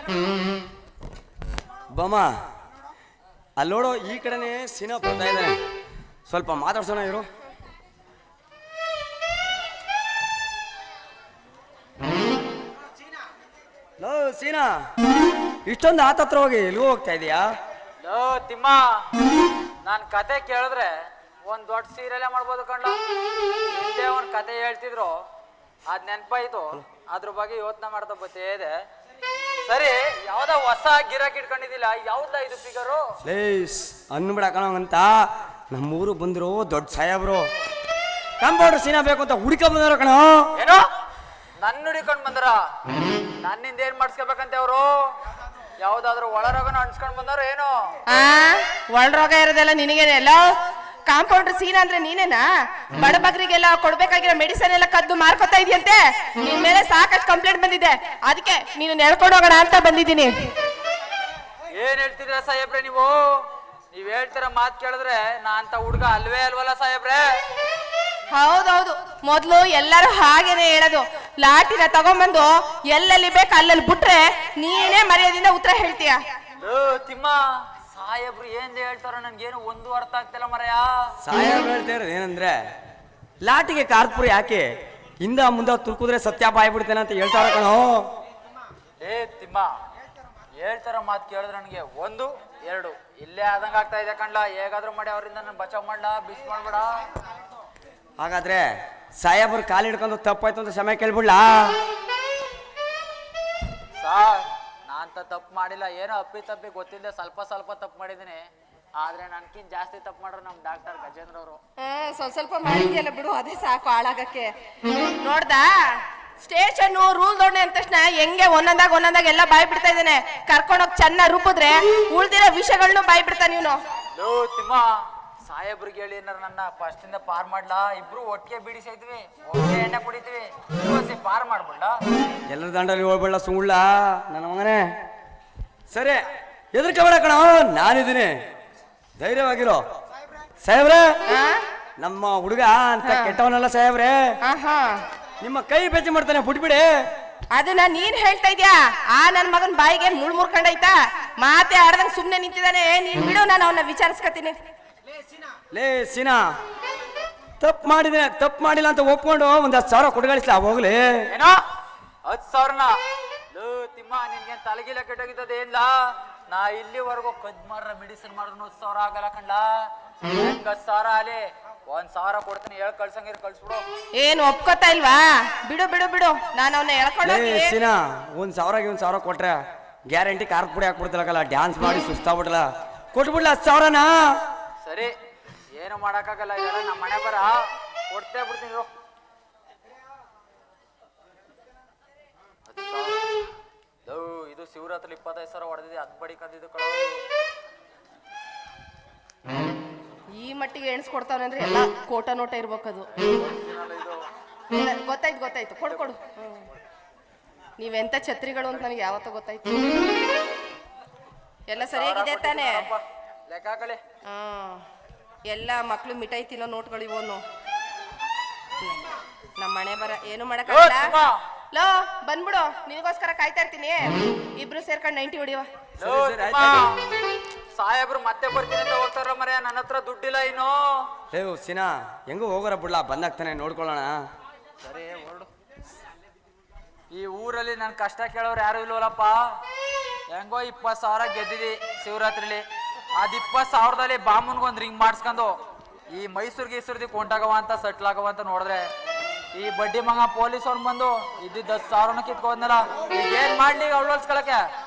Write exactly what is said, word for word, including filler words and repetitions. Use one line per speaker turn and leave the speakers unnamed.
ಬಮ್ಮ ಅಲ್ಲಿ ನೋಡು, ಈ ಕಡೆನೆ ಸೀನಾ ಬರ್ತಾ ಇದ್ದಾನೆ, ಸ್ವಲ್ಪ ಮಾತಾಡ್ಸೋಣ ಇರು. ಲೋ ಸೀನಾ, ಇಷ್ಟೊಂದು ಆತತ್ರ ಹೋಗಿ ಎಲ್ಲಿಗೂ ಹೋಗ್ತಾ ಇದೀಯಾ?
ಲೋ ತಿಮ್ಮ, ನಾನ್ ಕತೆ ಕೇಳಿದ್ರೆ ಒಂದ್ ದೊಡ್ಡ ಸೀರಿಯಲ್ ಮಾಡ್ಬೋದು ಕಂಡ. ಹಿಂದೆ ಒಂದ್ ಕತೆ ಹೇಳ್ತಿದ್ರು, ಅದ್ ನೆನಪಾಯ್ತು, ಅದ್ರ ಬಗ್ಗೆ ಯೋಚನೆ ಮಾಡ್ತಾ ಬತ್ತೇ ಇದೆ. ಸರಿ, ಯಾವ್ದ ಹೊಸ ಗಿರಾಕಿ ಇಟ್ಕೊಂಡಿದ್ದಿಲ್ಲ, ಯಾವ್ದ ಇದು ಫಿಗರು?
ಲೇಸ್ ಅನ್ಬಿಡ ಕಣವಂತ, ನಮ್ಮೂರು ಬಂದ್ರು ದೊಡ್ಡ ಸಾಹೇಬ್ರು ಕಾಂಪೌಂಡರ್ ಸೀನಾ ಬೇಕು ಅಂತ ಹುಡುಕ ಬಂದಾರ ಕಣ.
ಏನೋ ನನ್ನ ಹುಡಿಕೊಂಡ್ ಬಂದ್ರ? ನನ್ನಿಂದ ಏನ್ ಮಾಡಿಸ್ಕೋಬೇಕಂತೆ ಅವರು? ಯಾವ್ದಾದ್ರು ಒಳರೋಗನ ಅನ್ಸ್ಕೊಂಡ್ ಬಂದಾರ ಏನೋ?
ಆ ಒಳರೋಗ ಇರೋದೆಲ್ಲ ನಿನಗೇನೆ. ಎಲ್ಲ ಕಾಂಪೌಂಡರ್ ಸೀನಾ ಅಂದ್ರೆ ನೀನೇನಾ? ಬಡಬಗ್ರಿಗೆಲ್ಲ ಕೊಡ್ಬೇಕಾಗಿರೋ ಮೆಡಿಸನ್ ಎಲ್ಲ ಕದ್ದು ಮಾರ್ಕೊತಾ ಇದೆಯಂತೆ. ನಿನ್ ಮೇಲೆ ಸಾಕಷ್ಟು ಕಂಪ್ಲೇಂಟ್ ಬಂದಿದೆ, ಅದಕ್ಕೆ ನೀನು ನೆಡ್ಕೊಂಡು ಹೋಗೋಣ ಅಂತ ಬಂದಿದ್ದೀನಿ.
ಏನ್ ಹೇಳ್ತಿದ್ರ ಸಾಹೇಬ್ರೆ ನೀವು? ನೀವ್ ಹೇಳ್ತಿರ ಮಾತ್ ಕೇಳಿದ್ರೆ ನಾ ಅಂತ ಹುಡ್ಗ ಅಲ್ವೇ ಅಲ್ವಲ್ಲ ಸಾಹೇಬ್ರೆ?
ಹೌದೌದು, ಮೊದ್ಲು ಎಲ್ಲರೂ ಹಾಗೇನೆ ಹೇಳೋದು. ಲಾಟಿನ ತಗೊಂಬಂದು ಎಲ್ಲೆಲ್ಲಿ ಬೇಕು ಅಲ್ಲಲ್ಲಿ ಬಿಟ್ರೆ ನೀನೇ ಮರ್ಯಾದಿಂದ ಉತ್ತರ ಹೇಳ್ತೀಯ.
ತಿಮ್ಮ, ಸಾಹೇಬ್ರು ಏನ್ ಹೇಳ್ತಾರ ನನ್ಗೇನು ಒಂದು ಅರ್ಥ ಆಗ್ತಿಲ್ಲ ಮರಯ.
ಸಾಹೇಬ್ರು ಹೇಳ್ತಾ ಇರೋದು ಏನಂದ್ರೆ, ಲಾಟಿಗೆ ಕಾರ್ಪುರಿ ಯಾಕೆ ಹಿಂದ ಮುಂದ ತುರ್ಕುದ್ರೆ ಸತ್ಯಾಪ ಆಗ್ಬಿಡ್ತೇನೆ ಅಂತ ಹೇಳ್ತಾರ ಕಣೋ.
ಏ ತಿಮ್ಮ, ಹೇಳ್ತಾರ ಮಾತು ಕೇಳಿದ್ರೆ ನನಗೆ ಒಂದು ಎರಡು ಇಲ್ಲೇ ಆದಂಗ ಆಗ್ತಾ ಇದೆ ಕಣ್ಲ. ಹೇಗಾದ್ರೂ ಮಾಡಿ ಅವರಿಂದ ನಾನು ಬಚಾವ್ ಮಾಡ್ಲಾ, ಬಿಸ್ ಮಾಡ್ಬೇಡ.
ಹಾಗಾದ್ರೆ ಸಾಹೇಬ್ರು ಕಾಲು ಹಿಡ್ಕೊಂಡು ತಪ್ಪಾಯ್ತು ಅಂತ ಸಮಯ ಕೇಳ್ಬಿಡ್ಲಾ?
ಸಾರ್, ನಾನಂತ ತಪ್ಪು ಮಾಡಿಲ್ಲ, ಏನೋ ಅಪ್ಪಿ ತಪ್ಪಿ ಗೊತ್ತಿಲ್ಲದೆ ಸ್ವಲ್ಪ ಸ್ವಲ್ಪ ತಪ್ಪು ಮಾಡಿದ್ದೀನಿ. ಆದ್ರೆ ನನ್ಕಿಂತ ಜಾಸ್ತಿ ತಪ್ಪು ಮಾಡ್ರು ನಮ್ ಡಾಕ್ಟರ್ ಗಜೇಂದ್ರ ಅವರು.
ಸ್ವಲ್ಪ ಸ್ವಲ್ಪ ಮಾಡಿದ್ಯಲ್ಲ ಬಿಡು, ಅದೇ ಸಾಕು ಹಾಳಾಗಕ್ಕೆ. ನೋಡ್ದಾ, ಸ್ಟೇಷನ್ ರೂಲ್ ದೊಡ್ಡ ಅಂದ ತಕ್ಷಣ ಹೆಂಗೆ ಒಂದೊಂದಾಗ ಒಂದೊಂದಾಗ ಎಲ್ಲ ಬಾಯ್ ಬಿಡ್ತಾ ಇದ್ದಾನೆ. ಕರ್ಕೊಂಡೋಗಿ ಚೆನ್ನಾಗಿ ರೂಪಿದ್ರೆ ಉಳ್ದಿರೋ ವಿಷಯಗಳನ್ನೂ ಬಾಯ್ ಬಿಡ್ತಾ ನೀನು.
ಲೋ ತಿಮ್ಮ, ಸಾಹೇಬ್ರಿಗೆ ಹೇಳಿ ಏನಾರ ನನ್ನ ಫಸ್ಟ್ ಇಂದ ಪಾರ್ ಮಾಡ್ಲಾ? ಇಬ್ರು ಒಟ್ಟಿಗೆ ಬಿಡಿಸೈದ್ವಿ, ಒಟ್ಟಿಗೆ ಎಣ್ಣೆ ಕುಡಿತೀವಿ, ಪಾರ್ ಮಾಡ್ಬಿಡ್ಲಾ?
ಎಲ್ಲರ ದಂಡಲ್ಲಿ ಹೋಗ್ಬೇಡ ಸುಳ್ಳ ನನ್ನ ಮಗನೇ. ಸರಿ, ಎದುರ್ಕೋಬೇಡ ಕಣ, ನಾನಿದ್ದೀನಿ, ಧೈರ್ಯವಾಗಿರೋ. ಸಾಹೇಬ್ರೆ, ನಮ್ಮ ಹುಡುಗ ಅಂತ ಕೆಟ್ಟವನಲ್ಲ ಸಾಹೇಬ್ರೆ, ನಿಮ್ಮ ಕೈ ಬೆಚ್ಚ ಮಾಡ್ತಾನೆ, ಬಿಟ್ಬಿಡಿ.
ಅದನ್ನ ನೀನ್ ಹೇಳ್ತಾ ಇದ್ಯಾ? ಆ ನನ್ ಮಗನ್ ಬಾಯಿಗೆ ಮುಳ್ ಮುರ್ಕೊಂಡೈತಾ? ಮಾತೆ ಆಡ್ದಂಗ್ ಸುಮ್ನೆ ನಿಂತಿದ್ದಾನೆ. ನೀನ್ ಬಿಡು, ನಾನು ಅವನ್ನ ವಿಚಾರಿಸ್ಕತೀನಿ.
ಲೇ ಸೀನಾ, ತಪ್ಪು ಮಾಡಿದ್ರೆ ತಪ್ಪು ಮಾಡಿಲ್ಲ ಅಂತ ಒಪ್ಕೊಂಡು ಒಂದ್ ಹತ್ತು ಸಾವಿರ ಕೊಟ್ಗಳಿಸ್ಲಾ ಹೋಗ್ಲಿ.
ಏನೋ ಹತ್ತು ಸಾವಿರನ? ಲೋ ತಿಮ್ಮ, ನಿನ್ಗೆ ತಲೆಗಿಲ್ಲ ಕೆಟ್ಟೋಗಿದ್ದದ ಏನ್ಲ? ನಾ ಇಲ್ಲಿವರೆಗೂ ಕದ್ ಮಾರ ಮೆಡಿಸಿನ್ ಮಾಡಿದ್ರು ಹತ್ತು ಸಾವಿರ ಆಗಲ್ಲ ಕಂಡ್ಲ. ಹೆಂಗ್ ಹತ್ತು ಸಾವಿರ ಆಲಿ, ಒಂದ್ ಸಾವಿರ ಕೊಡ್ತೀನಿ, ಹೇಳ್ ಕಳ್ಸಂಗಿರ್ ಕಳ್ಸ್ಬಿಡು.
ಏನ್ ಒಪ್ಕೋತಾ ಇಲ್ವಾ? ಬಿಡು ಬಿಡು ಬಿಡು, ನಾನು ಅವನ್ನ ಹೇಳ್ಕೊಂಡು
ಸೀನಾ, ಒಂದ್ ಸಾವಿರಗೆ ಒಂದ್ ಸಾವಿರ ಕೊಟ್ರೆ ಗ್ಯಾರಂಟಿ ಖಾರದ ಪುಡಿ ಹಾಕ್ಬಿಡ್ತಿಲ್ಲಕಲ್ಲ, ಡ್ಯಾನ್ಸ್ ಮಾಡಿ ಸುಸ್ತಾಗ್ಬಿಡ್ಲ, ಕೊಟ್ಬಿಡ್ಲ ಹತ್ತು ಸಾವಿರನ.
ಸರಿ, ಏನು ಮಾಡಕ್ಕಾಗಲ್ಲ, ಇದೆಲ್ಲ ನಮ್ಮ ಮನೆ ಬರ, ಕೊಡ್ತೇ ಬಿಡ್ತೀನಿ. ಇದು ಶಿವರಾತ್ರಿ ಇಪ್ಪತ್ತೈದು ಸಾವಿರ ಹೊಡೆದಿದೆ, ಅದ್ ಬಡಿ ಕಂದಿದ್ದು ಕಳ.
ಈ ಮಟ್ಟಿಗೆ ಎಣಿಸ್ಕೊಡ್ತಾವನೆ ಅಂದ್ರೆ ಎಲ್ಲ ಕೋಟ ನೋಟ ಇರ್ಬೇಕದು. ಗೊತ್ತಾಯ್ತು ಗೊತ್ತಾಯ್ತು, ಕೊಡು ಕೊಡು. ನೀವೆಂತ ಛತ್ರಿಗಳು ಅಂತ ನನಗೆ ಯಾವತ್ತೂ ಗೊತ್ತಾಯ್ತು. ಎಲ್ಲ ಸರಿಯಾಗಿದೆ ತಾನೆ?
ಲೆಕ್ಕ ಹಾಕಲಿ.
ಹಾ, ಎಲ್ಲ ಮಕ್ಳು ಮಿಠಾಯಿ ತಿನ್ನೋ ನೋಟ್ಗಳು ಇವನು. ನಮ್ಮ ಮನೆ ಬರ ಏನು ಮಾಡಕ್ಕಾಗಲ್ಲ. ಲೋ ಬಂದ್ಬಿಡು, ನಿನಗೋಸ್ಕರ ಕಾಯ್ತಾ ಇರ್ತೀನಿ. ಇಬ್ರು ಸೇರ್ಕೊಂಡು ನೈಂಟಿ ಹೊಡಿವ.
ಸಾಹೇಬ್ರು ಮತ್ತೆ ಬರ್ತೀನಿ ಅಂತ ಹೋಗ್ತಾರ ಮರೆ, ನನ್ನ ಹತ್ರ ದುಡ್ಡಿಲ್ಲ ಇನ್ನು.
ಏ ಸೀನಾ, ಹೆಂಗೋ ಹೋಗೋರ ಬಿಡ್ಲಾ, ಬಂದಾಗ್ತಾನೆ ನೋಡ್ಕೊಳ್ಳೋಣ.
ಸರಿ ಹೊರಡು. ಈ ಊರಲ್ಲಿ ನನ್ ಕಷ್ಟ ಕೇಳೋರು ಯಾರು ಇಲ್ವಲ್ಲಪ್ಪ. ಹೆಂಗೋ ಇಪ್ಪತ್ತು ಸಾವಿರ ಗೆದ್ದಿದಿ ಶಿವರಾತ್ರಿಲಿ. ಅದ್ ಇಪ್ಪತ್ತು ಸಾವಿರದಲ್ಲಿ ಬಾಮುನ್ಗೊಂದ್ ರಿಂಗ್ ಮಾಡಿಸ್ಕೊಂಡು ಈ ಮೈಸೂರ್ಗೆ ಈಸೂರ್ದಿ ಕೊಂಟಾಗವ ಅಂತ ಸೆಟ್ಲ್ ಆಗವ ಅಂತ ನೋಡಿದ್ರೆ, ಈ ಬಡ್ಡಿ ಮಗ ಪೊಲೀಸ್ ಅವ್ನು ಬಂದು ಇದ್ದಿದ್ದು ಹತ್ತು ಸಾವಿರನ ಕಿತ್ಕೊಂಡಲ್ಲ. ಈಗ ಏನ್ ಮಾಡ್ಲಿ ಅವಳು ಹೊಲ್ಸ್ಕೊಳಕ್ಕೆ?